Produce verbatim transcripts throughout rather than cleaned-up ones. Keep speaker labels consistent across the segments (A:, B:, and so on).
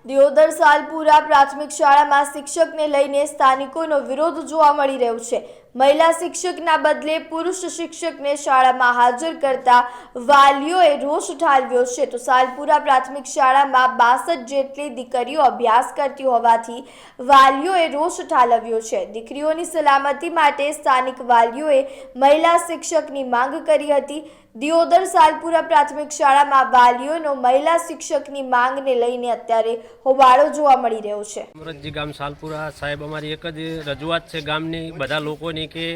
A: દિયોદર સાલપુરા પ્રાથમિક શાળામાં શિક્ષકને લઈને સ્થાનિકોનો વિરોધ જોવા મળી રહ્યો છે। મહિલા શિક્ષકના બદલે પુરુષ શિક્ષકને શાળામાં હાજર કરતા વાલીઓએ રોષ ઠાલવ્યો છે। તો સાલપુરા પ્રાથમિક શાળામાં બાસઠ જેટલી દીકરીઓ અભ્યાસ કરતી હોવાથી વાલીઓએ રોષ ઠાલવ્યો છે। દીકરીઓની સલામતી માટે સ્થાનિક વાલીઓએ મહિલા શિક્ષકની માંગ કરી હતી। દિયોદર સાલપુરા પ્રાથમિક શાળામાં વાલીઓનો મહિલા શિક્ષકની માંગને લઈને અત્યારે હોબાળો જોવા મળી રહ્યો છે।
B: અમરતજી ગામ સાલપુરા સાહેબ અમારી એક જ રજૂઆત છે ગામની બધા લોકોની કે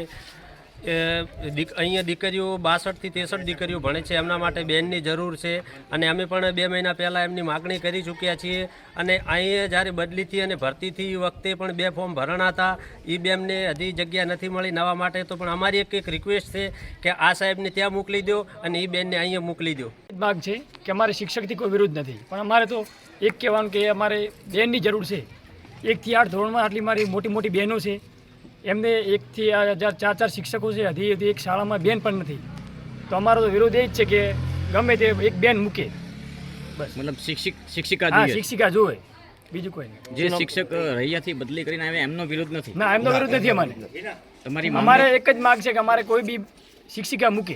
B: અહીંયા દીકરીઓ બાસઠથી ત્રેસઠ દીકરીઓ ભણે છે, એમના માટે બેનની જરૂર છે અને અમે પણ બે મહિના પહેલાં એમની માગણી કરી ચૂક્યા છીએ અને અહીંયા જ્યારે બદલીથી અને ભરતીથી વખતે પણ બે ફોર્મ ભરણા હતા, એ બેમને હજી જગ્યા નથી મળી નવા માટે। તો પણ અમારી એક એક રિક્વેસ્ટ છે કે આ સાહેબને ત્યાં મોકલી દો અને એ બેનને અહીંયા મોકલી દો।
C: માગ છે કે અમારે શિક્ષકથી કોઈ વિરોધ નથી, પણ અમારે તો એક કહેવાનું કે અમારે બેનની જરૂર છે। એકથી આઠ ધોરણમાં આટલી મારી મોટી મોટી બહેનો છે, એમને એકથી હજાર ચાર ચાર શિક્ષકો છે, હજી હજી એક શાળામાં બેન પણ નથી। તો અમારો તો વિરોધ એ જ છે કે ગમે તે એક બેન મૂકે બસ, મતલબ શિક્ષિક શિક્ષિકા હા શિક્ષિકા જોવે, બીજું કોઈ નહીં।
D: જે શિક્ષક રૈયાથી બદલી કરીને આવે એમનો વિરોધ નથી?
C: ના, એમનો વિરોધ નથી અમારે। તમારી અમારે એક જ માગ છે કે અમારે કોઈ બી શિક્ષિકા મૂકે।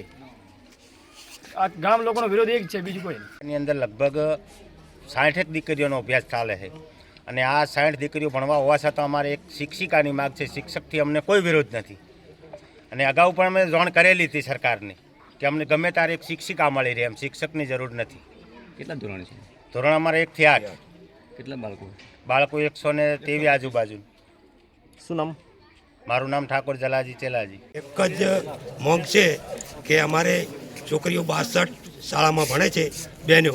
C: આ ગામ લોકોનો વિરોધ એક છે, બીજું કોઈ નહીં।
E: એની અંદર લગભગ સાઠેક દીકરીઓનો અભ્યાસ ચાલે છે અને આ સાઠ દીકરીઓ ભણવા હોવા છતાં અમારે એક શિક્ષિકાની માગ છે। શિક્ષકથી અમને કોઈ વિરોધ નથી અને અગાઉ પણ અમે જાણ કરેલી હતી સરકારને કે અમને ગમે ત્યારે એક શિક્ષિકા મળી રહે, એમ શિક્ષકની જરૂર નથી।
D: કેટલા ધોરણ છે?
E: ધોરણ અમારે એકથી આઠ।
D: કેટલા બાળકો?
E: બાળકો એકસો ને તેવી આજુબાજુ।
D: શું નામ?
E: મારું નામ ઠાકોર જલાજી ચેલાજી।
F: એક જ મોંઘ છે કે અમારે છોકરીઓ બાસઠ શાળામાં ભણે છે બહેનો,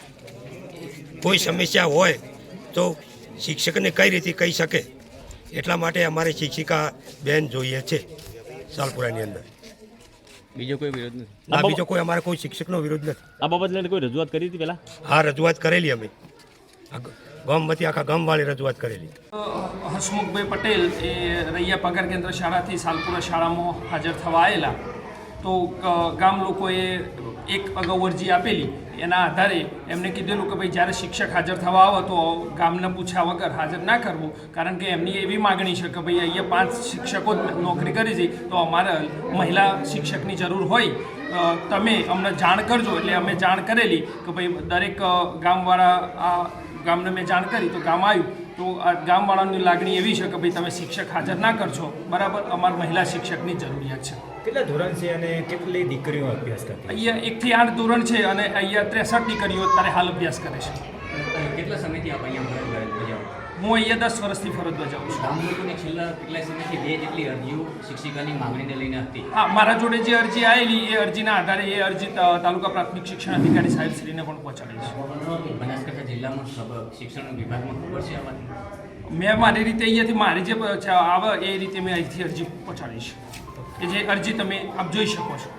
F: કોઈ સમસ્યા હોય તો શિક્ષકને કઈ રીતે કહી શકે, એટલા માટે અમારે શિક્ષિકા બેન જોઈએ છે સાલપુરાની અંદર।
D: બીજો કોઈ વિરોધ નથી?
F: ના, બીજો કોઈ અમારે કોઈ શિક્ષકનો વિરોધ નથી।
D: આ બાબતે કોઈ રજૂઆત કરી હતી પહેલા?
F: હા, રજૂઆત કરેલી અમે ગામમાંથી આખા ગામવાળી રજૂઆત કરેલી।
G: હસમુખભાઈ પટેલ એ રૈયા પગાર કેન્દ્ર શાળાથી સાલપુરા શાળામાં હાજર થવા આવેલા, તો ગામ લોકોએ એક અગાઉ અરજી આપેલી, એના આધારે એમને કીધેલું કે ભાઈ જ્યારે શિક્ષક હાજર થવા આવે તો ગામને પૂછ્યા વગર હાજર ના કરવું, કારણ કે એમની એવી માગણી છે કે ભાઈ અહીંયા પાંચ શિક્ષકો જ નોકરી કરી છે, તો અમારે મહિલા શિક્ષકની જરૂર હોય, તમે અમને જાણ કરજો। એટલે અમે જાણ કરેલી કે ભાઈ દરેક ગામવાળા આ ગામને મેં જાણ કરી તો ગામ આવ્યું, તો આ ગામવાળાની લાગણી એવી છે કે ભાઈ તમે શિક્ષક હાજર ના કરશો, બરાબર, અમારે મહિલા શિક્ષકની જરૂરિયાત છે।
H: કેટલા ધોરણ છે અને કેટલી દીકરીઓ અભ્યાસ કરતી?
G: અહીંયા એકથી આઠ ધોરણ છે અને અહીંયા ત્રેસઠ દીકરીઓ અત્યારે હાલ અભ્યાસ કરે છે।
D: કેટલા સમયથી આપ અહીંયા ફરજ બજાવો?
G: હું અહીંયા દસ વર્ષથી ફરજ બજાવું છું।
D: ગામ લોકોની છેલ્લા કેટલા સમયથી બે જેટલી અરજીઓ શિક્ષિકાની માંગણીને લઈને હતી?
G: હા, મારા જોડે જે અરજી આવેલી એ અરજીના આધારે એ અરજી તાલુકા પ્રાથમિક શિક્ષણ અધિકારી સાહેબ શ્રીને પણ પહોંચાડી છે।
D: બનાસકાંઠા જિલ્લામાં શિક્ષણ વિભાગમાં ખબર છે આ વાત?
G: મેં મારી રીતે અહીંયાથી મારી જે આવે એ રીતે મેં અહીંથી અરજી પહોંચાડી છે, કે જે અરજી તમે આપ જોઈ શકો છો।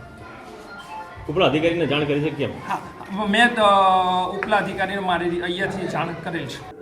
H: ઉપલા અધિકારીને જાણ કરી છે કેમ?
G: હા, મેં ઉપલા અધિકારીને મારી અહીંયાથી જાણ કરેલ છે।